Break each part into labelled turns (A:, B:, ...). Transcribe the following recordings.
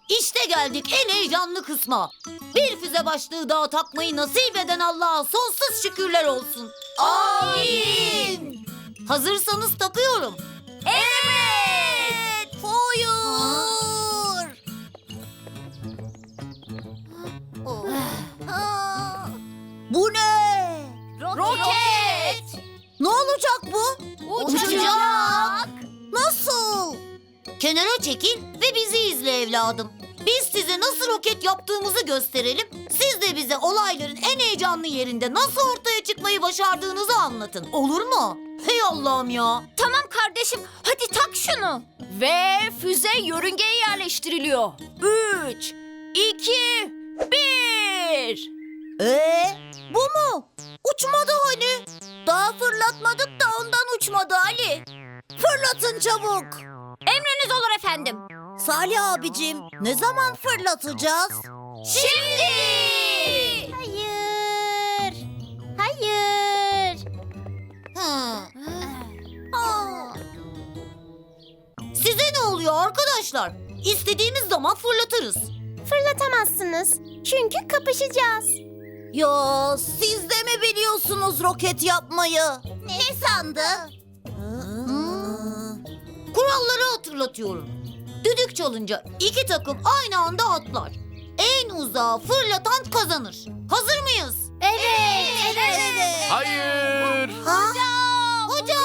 A: İşte geldik en heyecanlı kısma. Bir füze başlığı daha takmayı nasip eden Allah'a sonsuz şükürler olsun. Amin. Hazırsanız takıyorum.
B: Evet.
A: Hayır. Bu ne?
B: Roket.
A: Ne olacak bu?
B: Uçacak.
A: Nasıl? Kenara çekil ve bizi izle evladım. Biz size nasıl roket yaptığımızı gösterelim. Siz de bize olayların en heyecanlı yerinde nasıl ortaya çıkmayı başardığınızı anlatın. Olur mu? Hey Allah'ım ya.
B: Tamam kardeşim, hadi tak şunu. Ve füze yörüngeye yerleştiriliyor. 3, 2, 1.
A: Bu mu? Uçmadı hani. Daha fırlatmadık da ondan uçmadı Ali. Fırlatın çabuk.
B: Emriniz olur efendim.
A: Salih abicim, ne zaman fırlatacağız?
B: Şimdi.
C: Hayır. Hayır.
A: Size ne oluyor arkadaşlar? İstediğimiz zaman fırlatırız.
C: Fırlatamazsınız. Çünkü kapışacağız.
A: Ya siz de mi biliyorsunuz roket yapmayı?
C: Ne sandı?
A: Kuralları hatırlatıyorum. Düdük çalınca iki takım aynı anda atlar. En uzağa fırlatan kazanır. Hazır mıyız?
C: Evet. Evet.
D: Hayır.
A: Hocam!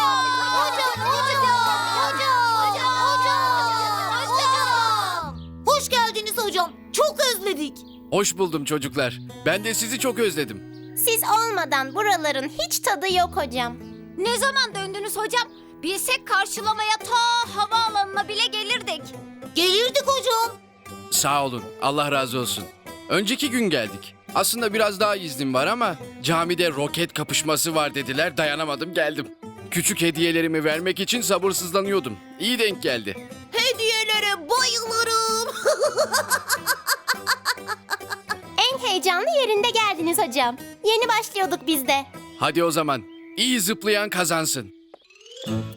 A: Hoş geldiniz hocam. Çok özledik.
D: Hoş buldum çocuklar. Ben de sizi çok özledim.
C: Siz olmadan buraların hiç tadı yok hocam.
B: Ne zaman döndünüz hocam? Bilsek karşılamaya ta havaalanına bile gelirdik.
A: Gelirdik hocam.
D: Sağ olun. Allah razı olsun. Önceki gün geldik. Aslında biraz daha iznim var ama camide roket kapışması var dediler. Dayanamadım geldim. Küçük hediyelerimi vermek için sabırsızlanıyordum. İyi denk geldi.
A: Hediyelere bayılırım.
C: En heyecanlı yerinde geldiniz hocam. Yeni başlıyorduk biz de.
D: Hadi o zaman. İyi zıplayan kazansın.